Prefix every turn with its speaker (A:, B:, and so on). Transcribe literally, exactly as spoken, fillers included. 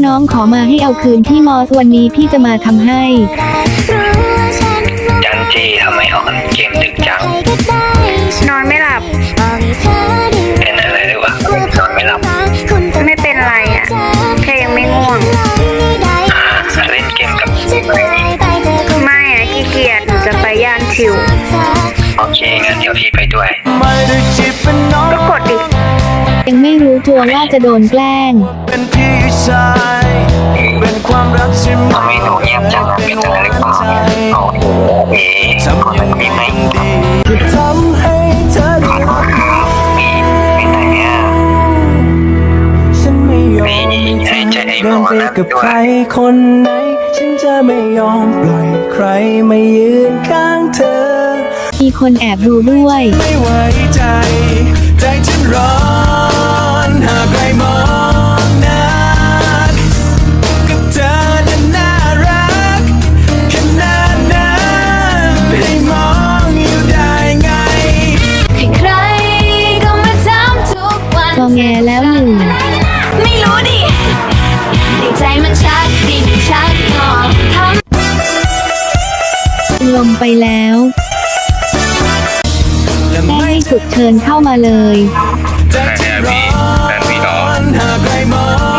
A: น้องขอมาให้เอาคืนพี่มอสวันนี้พี่จะมาทำให้
B: จันจีทำไมออนเกมดึกจัง
C: นอนไม่หลับ
B: เป็นอะไรหรือวะนอนไม่หลับ
C: ไม่เป็นไรอ่ะแค่ยังไม่ง่วง
B: เล่นเกมกับ
C: ไม่อ่ะขี้เกียจหนูจะไปย่านชิว
B: โอเคงั้นเดี๋ยวพี่ไปด้วย
C: ก็กดดิ
A: ยังไม่รู้ตัวว่าจะโดนแกล้ง
B: ทำไมหนูเงียบจังเป็นอะไรหรือเปล่าโอ้โหเอ๋ขอสักทีไหมขอโทษครับมีเป็นไรเนี่ยมีให้ใจไอ้หมอนั่นด้วย
D: คนไหนฉันจะไม่ยอมปล่อยใครมายืนข้างเธอ
A: มีคนแอบดูด้วย
D: ไม่ไว้ใจใจฉันร้อนหากใครมองหน้ากับเธอนั้นน่ารักขนาดนั้นให้มองอยู่ได้ไง
A: ใครก็มาทำทุกวันงอแงแล้วหนึ่ง
C: ไม่รู้ดิใจมันชักดิ่งชักงอท
A: ำลมไปแล้วแม่ให้สุดเชิญเข้ามาเลย
D: ใจฉันร้อนหากใครมอง